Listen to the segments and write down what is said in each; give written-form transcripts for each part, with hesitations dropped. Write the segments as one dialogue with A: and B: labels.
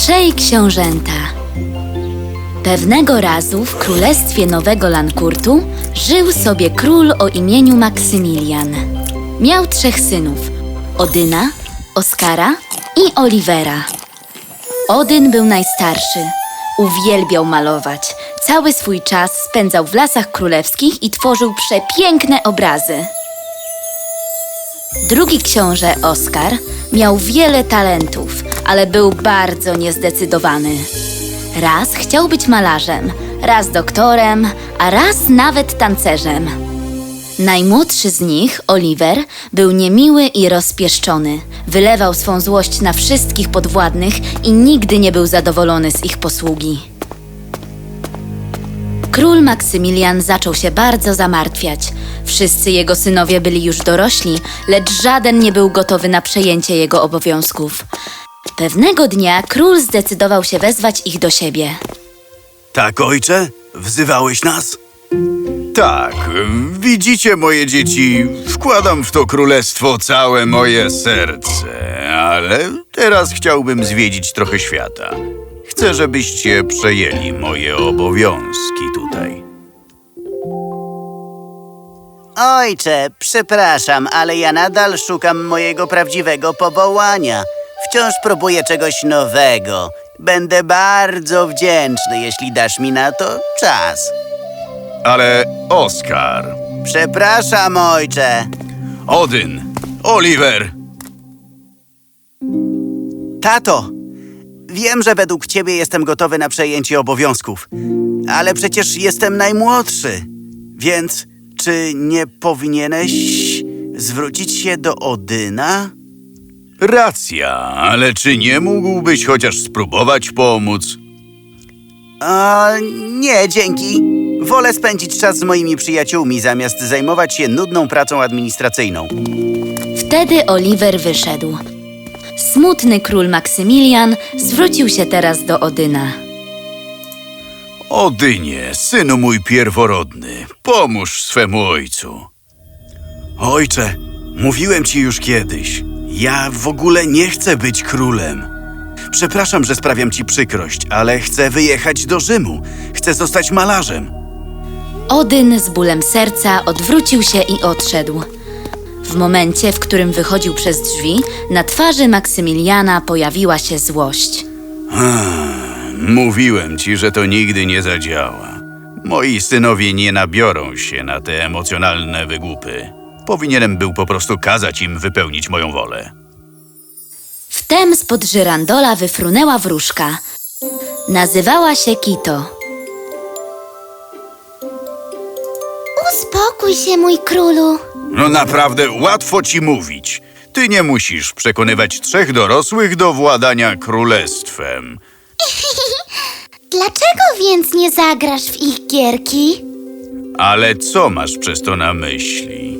A: Trzej książęta. Pewnego razu w królestwie Nowego Lankurtu żył sobie król o imieniu Maksymilian. Miał trzech synów: Odyna, Oskara i Olivera. Odyn był najstarszy. Uwielbiał malować. Cały swój czas spędzał w lasach królewskich i tworzył przepiękne obrazy. Drugi książę, Oskar, miał wiele talentów, ale był bardzo niezdecydowany. Raz chciał być malarzem, raz doktorem, a raz nawet tancerzem. Najmłodszy z nich, Oliver, był niemiły i rozpieszczony. Wylewał swą złość na wszystkich podwładnych i nigdy nie był zadowolony z ich posługi. Król Maksymilian zaczął się bardzo zamartwiać. Wszyscy jego synowie byli już dorośli, lecz żaden nie był gotowy na przejęcie jego obowiązków. Pewnego dnia król zdecydował się wezwać ich do siebie.
B: Tak, ojcze? Wzywałeś nas? Tak, widzicie, moje dzieci, wkładam w to królestwo całe moje serce, ale teraz chciałbym zwiedzić trochę świata. Chcę, żebyście przejęli moje obowiązki tutaj.
C: Ojcze, przepraszam, ale ja nadal szukam mojego prawdziwego powołania. Wciąż próbuję czegoś nowego. Będę bardzo wdzięczny, jeśli dasz mi na to czas.
B: Ale Oskar,
C: Przepraszam, ojcze.
B: Odyn, Oliver,
C: Tato, wiem, że według ciebie jestem gotowy na przejęcie obowiązków, ale przecież jestem najmłodszy. Więc czy nie powinieneś zwrócić się do Odyna?
B: racja, ale czy nie mógłbyś chociaż spróbować pomóc?
C: Nie, dzięki. Wolę spędzić czas z moimi przyjaciółmi, zamiast zajmować się nudną pracą administracyjną.
A: Wtedy Oliver wyszedł. Smutny król Maksymilian zwrócił się teraz do Odyna.
B: Odynie, synu mój pierworodny, pomóż swemu ojcu. Ojcze, mówiłem ci już kiedyś, ja w ogóle nie chcę być królem. Przepraszam, że sprawiam ci przykrość, ale chcę wyjechać do Rzymu. Chcę zostać malarzem.
A: Odyn z bólem serca odwrócił się i odszedł. W momencie, w którym wychodził przez drzwi, na twarzy Maksymiliana pojawiła się złość.
B: Mówiłem ci, że to nigdy nie zadziała. Moi synowie nie nabiorą się na te emocjonalne wygłupy. Powinienem był po prostu kazać im wypełnić moją wolę.
A: Wtem spod żyrandola wyfrunęła wróżka. Nazywała się Kito.
D: Uspokój się, mój królu.
B: No naprawdę łatwo ci mówić. Ty nie musisz przekonywać trzech dorosłych do władania królestwem.
D: Dlaczego więc nie zagrasz w ich gierki?
B: Ale co masz przez to na myśli?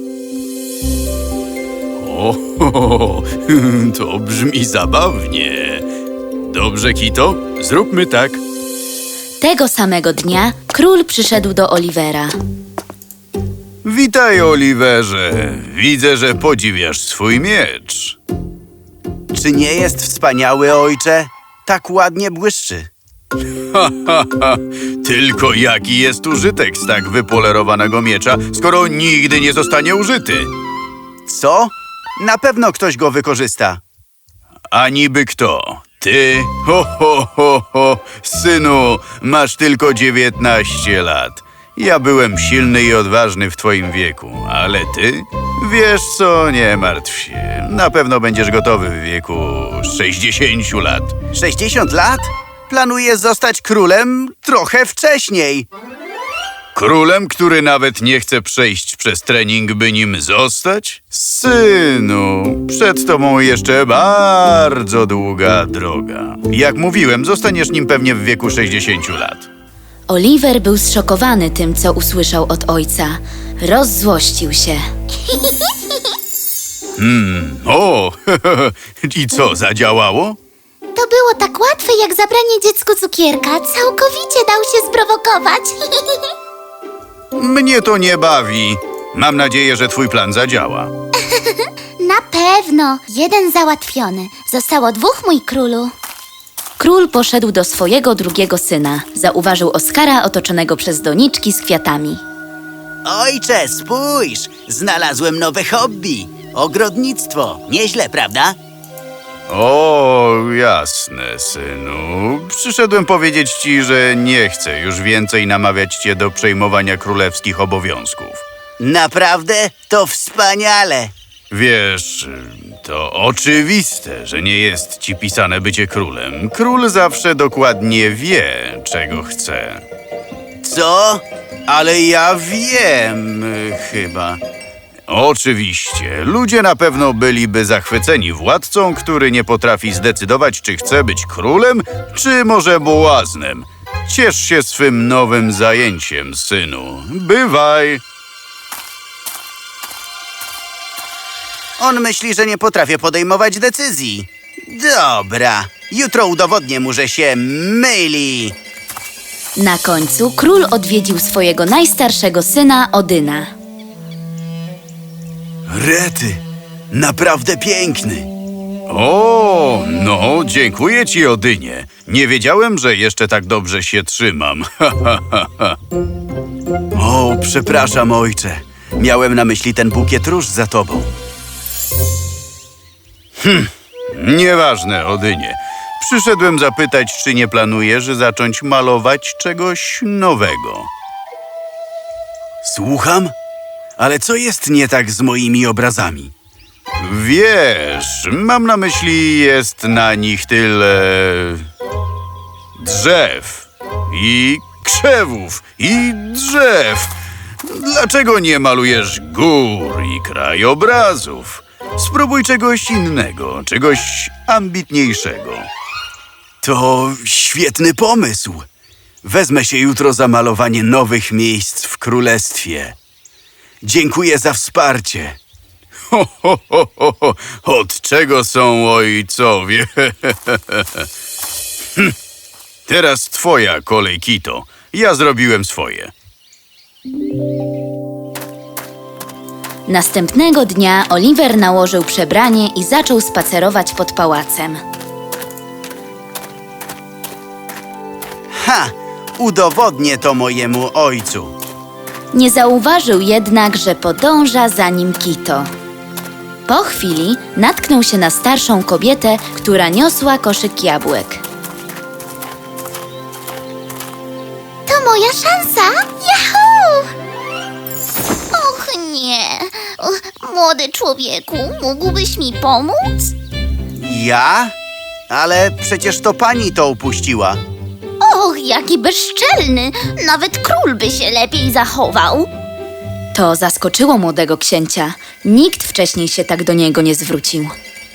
B: O, to brzmi zabawnie. Dobrze, Kito, zróbmy tak.
A: Tego samego dnia król przyszedł do Olivera.
B: Witaj, Oliverze. Widzę, że podziwiasz swój miecz.
C: Czy nie jest wspaniały, ojcze? Tak ładnie błyszczy.
B: Tylko jaki jest użytek z tak wypolerowanego miecza, skoro nigdy nie zostanie użyty?
C: Co? Na pewno ktoś go wykorzysta.
B: A niby kto? Ty? Synu, masz tylko 19 lat. Ja byłem silny i odważny w twoim wieku, ale ty? Wiesz co, nie martw się. Na pewno będziesz gotowy w wieku 60 lat.
C: 60 lat? Planuję zostać królem trochę wcześniej.
B: Królem, który nawet nie chce przejść przez trening, by nim zostać? Synu, przed tobą jeszcze bardzo długa droga. Jak mówiłem, zostaniesz nim pewnie w wieku 60 lat.
A: Oliver był zszokowany tym, co usłyszał od ojca. Rozzłościł się.
B: O, i co, zadziałało?
D: To było tak łatwe, jak zabranie dziecku cukierka. Całkowicie dał się sprowokować.
B: Mnie to nie bawi. Mam nadzieję, że twój plan zadziała.
D: Na pewno. Jeden załatwiony. Zostało 2, mój królu.
A: Król poszedł do swojego drugiego syna. Zauważył Oskara otoczonego przez doniczki z kwiatami.
C: Ojcze, spójrz! Znalazłem nowe hobby. Ogrodnictwo. Nieźle, prawda?
B: O, jasne, synu. Przyszedłem powiedzieć ci, że nie chcę już więcej namawiać cię do przejmowania królewskich obowiązków.
C: Naprawdę? To wspaniale.
B: Wiesz, to oczywiste, że nie jest ci pisane bycie królem. Król zawsze dokładnie wie, czego chce.
C: Co? Ale ja wiem, chyba.
B: Oczywiście, ludzie na pewno byliby zachwyceni władcą, który nie potrafi zdecydować, czy chce być królem, czy może błaznem. Ciesz się swym nowym zajęciem, synu. Bywaj!
C: On myśli, że nie potrafię podejmować decyzji. Dobra, jutro udowodnię mu, że się myli.
A: Na końcu król odwiedził swojego najstarszego syna, Odyna.
C: Rety, naprawdę piękny.
B: O, no, dziękuję ci, Odynie. Nie wiedziałem, że jeszcze tak dobrze się trzymam.
C: O, przepraszam, ojcze. Miałem na myśli ten bukiet róż za tobą.
B: Nieważne, Odynie. Przyszedłem zapytać, czy nie planujesz zacząć malować czegoś nowego.
C: Słucham? Ale co jest nie tak z moimi obrazami?
B: Wiesz, mam na myśli, jest na nich tyle drzew i krzewów i drzew. Dlaczego nie malujesz gór i krajobrazów? Spróbuj czegoś innego, czegoś ambitniejszego.
C: To świetny pomysł. Wezmę się jutro za malowanie nowych miejsc w królestwie. Dziękuję za wsparcie.
B: Ho, ho, ho, ho, ho. Od czego są ojcowie? Teraz twoja kolej, Kito. Ja zrobiłem swoje.
A: Następnego dnia Oliver nałożył przebranie i zaczął spacerować pod pałacem.
C: Ha! Udowodnię to mojemu ojcu.
A: Nie zauważył jednak, że podąża za nim Kito. Po chwili natknął się na starszą kobietę, która niosła koszyk jabłek.
D: To moja szansa! Yahoo! Och nie! Młody człowieku, mógłbyś mi pomóc?
C: Ja? Ale przecież to pani to upuściła.
D: Och, jaki bezczelny! Nawet król by się lepiej zachował.
A: To zaskoczyło młodego księcia. Nikt wcześniej się tak do niego nie zwrócił.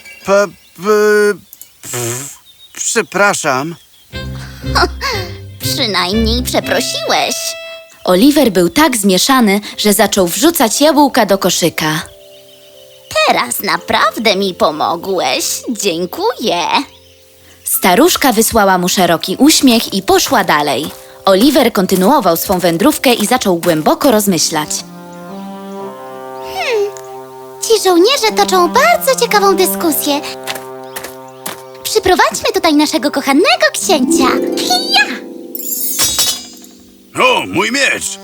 C: Przepraszam.
D: Przynajmniej przeprosiłeś.
A: Oliver był tak zmieszany, że zaczął wrzucać jabłka do koszyka.
D: Teraz naprawdę mi pomogłeś. Dziękuję.
A: Staruszka wysłała mu szeroki uśmiech i poszła dalej. Oliver kontynuował swą wędrówkę i zaczął głęboko rozmyślać.
D: Ci żołnierze toczą bardzo ciekawą dyskusję. Przyprowadźmy tutaj naszego kochanego księcia. Ja!
B: O, mój miecz!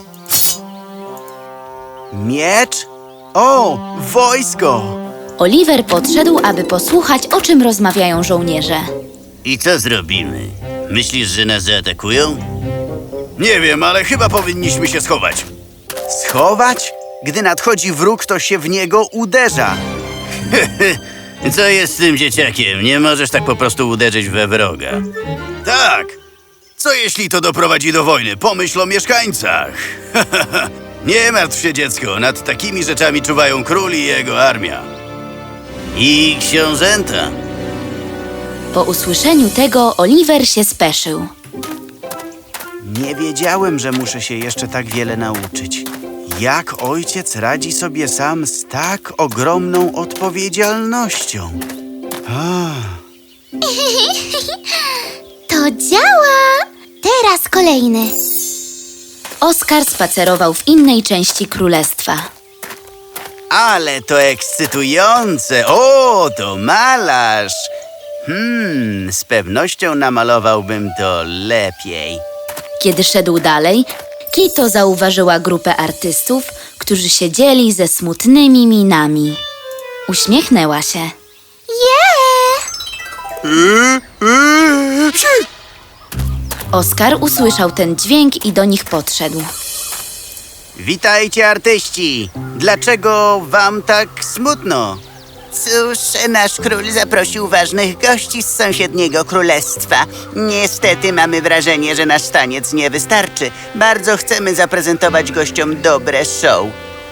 C: Miecz? O, wojsko!
A: Oliver podszedł, aby posłuchać, o czym rozmawiają żołnierze.
C: I co zrobimy? Myślisz, że nas zaatakują?
B: Nie wiem, ale chyba powinniśmy się schować.
C: Schować? Gdy nadchodzi wróg, to się w niego uderza.
E: Co jest z tym dzieciakiem? Nie możesz tak po prostu uderzyć we wroga.
B: Tak! Co jeśli to doprowadzi do wojny? Pomyśl o mieszkańcach. Nie martw się, dziecko. Nad takimi rzeczami czuwają król i jego armia.
E: I książęta.
A: Po usłyszeniu tego Oliver się speszył.
C: Nie wiedziałem, że muszę się jeszcze tak wiele nauczyć. Jak ojciec radzi sobie sam z tak ogromną odpowiedzialnością?
D: To działa! Teraz kolejny.
A: Oskar spacerował w innej części królestwa.
C: Ale to ekscytujące! O, to malarz! Z pewnością namalowałbym to lepiej.
A: Kiedy szedł dalej, Kito zauważyła grupę artystów, którzy siedzieli ze smutnymi minami. Uśmiechnęła się. Oskar usłyszał ten dźwięk i do nich podszedł.
C: Witajcie, artyści! Dlaczego wam tak smutno? Cóż, nasz król zaprosił ważnych gości z sąsiedniego królestwa. Niestety mamy wrażenie, że nasz taniec nie wystarczy. Bardzo chcemy zaprezentować gościom dobre show.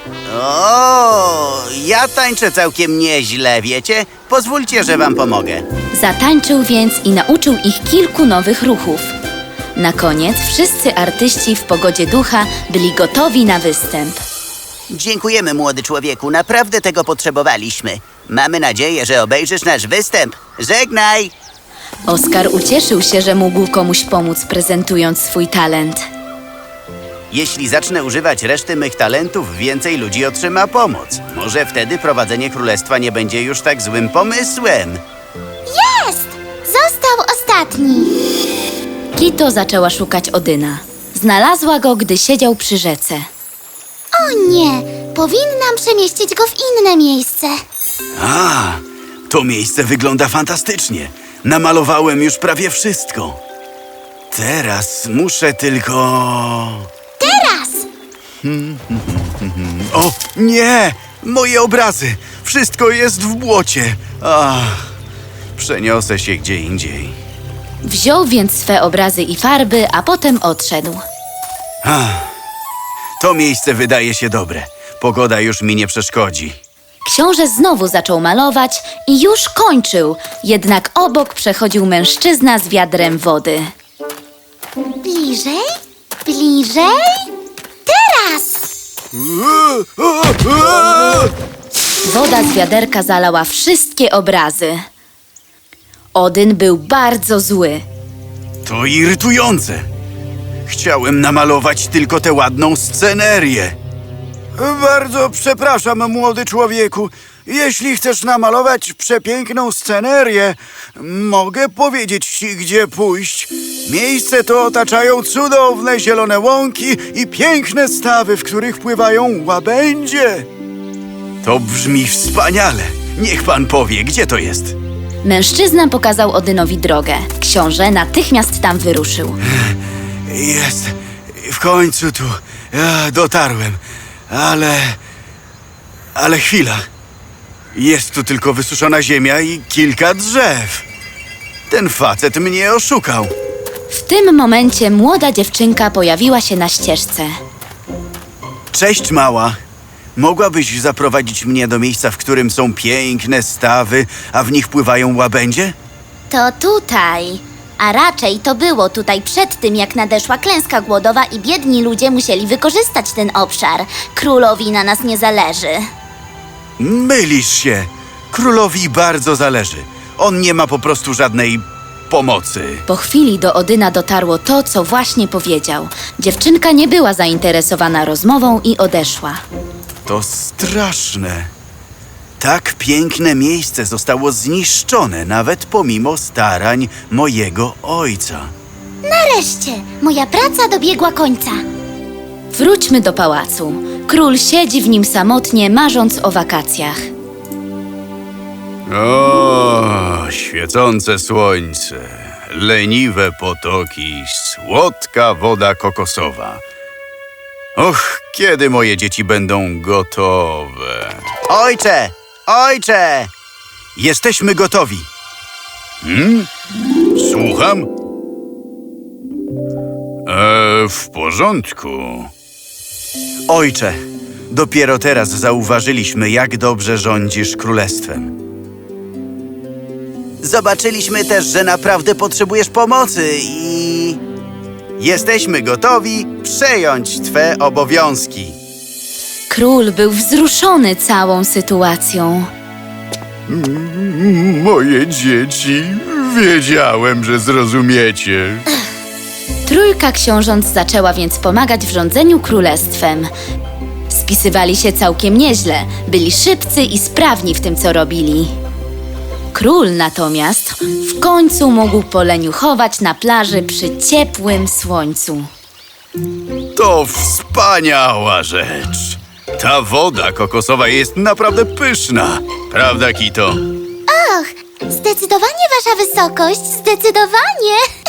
C: O, ja tańczę całkiem nieźle, wiecie? Pozwólcie, że wam pomogę.
A: Zatańczył więc i nauczył ich kilku nowych ruchów. Na koniec wszyscy artyści w pogodzie ducha byli gotowi na występ.
C: Dziękujemy, młody człowieku. Naprawdę tego potrzebowaliśmy. Mamy nadzieję, że obejrzysz nasz występ. Żegnaj!
A: Oskar ucieszył się, że mógł komuś pomóc, prezentując swój talent.
C: Jeśli zacznę używać reszty mych talentów, więcej ludzi otrzyma pomoc. Może wtedy prowadzenie królestwa nie będzie już tak złym pomysłem.
D: Jest! Został ostatni.
A: Kito zaczęła szukać Odyna. Znalazła go, gdy siedział przy rzece.
D: O nie, powinnam przemieścić go w inne miejsce.
B: A, to miejsce wygląda fantastycznie. Namalowałem już prawie wszystko. Teraz muszę tylko...
D: Teraz!
B: O, nie! Moje obrazy! Wszystko jest w błocie. Ach, przeniosę się gdzie indziej.
A: Wziął więc swe obrazy i farby, a potem odszedł.
B: To miejsce wydaje się dobre. Pogoda już mi nie przeszkodzi.
A: Książę znowu zaczął malować i już kończył, jednak obok przechodził mężczyzna z wiadrem wody.
D: Bliżej? Bliżej? Teraz!
A: Woda z wiaderka zalała wszystkie obrazy. Odyn był bardzo zły.
B: To irytujące. Chciałem namalować tylko tę ładną scenerię. Bardzo przepraszam, młody człowieku. Jeśli chcesz namalować przepiękną scenerię, mogę powiedzieć ci, gdzie pójść. Miejsce to otaczają cudowne zielone łąki i piękne stawy, w których pływają łabędzie. To brzmi wspaniale. Niech pan powie, gdzie to jest.
A: Mężczyzna pokazał Odynowi drogę. Książę natychmiast tam wyruszył.
B: Jest. W końcu tu. Dotarłem. Ale chwila. Jest tu tylko wysuszona ziemia i kilka drzew. Ten facet mnie oszukał.
A: W tym momencie młoda dziewczynka pojawiła się na ścieżce.
B: Cześć, mała. Mogłabyś zaprowadzić mnie do miejsca, w którym są piękne stawy, a w nich pływają łabędzie?
D: To tutaj. A raczej to było tutaj przed tym, jak nadeszła klęska głodowa i biedni ludzie musieli wykorzystać ten obszar. Królowi na nas nie zależy.
B: Mylisz się. Królowi bardzo zależy. On nie ma po prostu żadnej pomocy.
A: Po chwili do Odyna dotarło to, co właśnie powiedział. Dziewczynka nie była zainteresowana rozmową i odeszła.
B: To straszne. Tak piękne miejsce zostało zniszczone, nawet pomimo starań mojego ojca.
D: Nareszcie, moja praca dobiegła końca.
A: Wróćmy do pałacu. Król siedzi w nim samotnie, marząc o wakacjach.
B: O, świecące słońce, leniwe potoki, słodka woda kokosowa. Och, kiedy moje dzieci będą gotowe?
C: Ojcze! Ojcze!
B: Jesteśmy gotowi. Słucham? W porządku. Ojcze, dopiero teraz zauważyliśmy, jak dobrze rządzisz królestwem.
C: Zobaczyliśmy też, że naprawdę potrzebujesz pomocy i... jesteśmy gotowi przejąć twe obowiązki.
A: Król był wzruszony całą sytuacją.
B: Moje dzieci, wiedziałem, że zrozumiecie.
A: Trójka książąt zaczęła więc pomagać w rządzeniu królestwem. Spisywali się całkiem nieźle, byli szybcy i sprawni w tym, co robili. Król natomiast w końcu mógł poleniuchować na plaży przy ciepłym słońcu.
B: To wspaniała rzecz. Ta woda kokosowa jest naprawdę pyszna. Prawda, Kito?
D: Och, zdecydowanie wasza wysokość, zdecydowanie.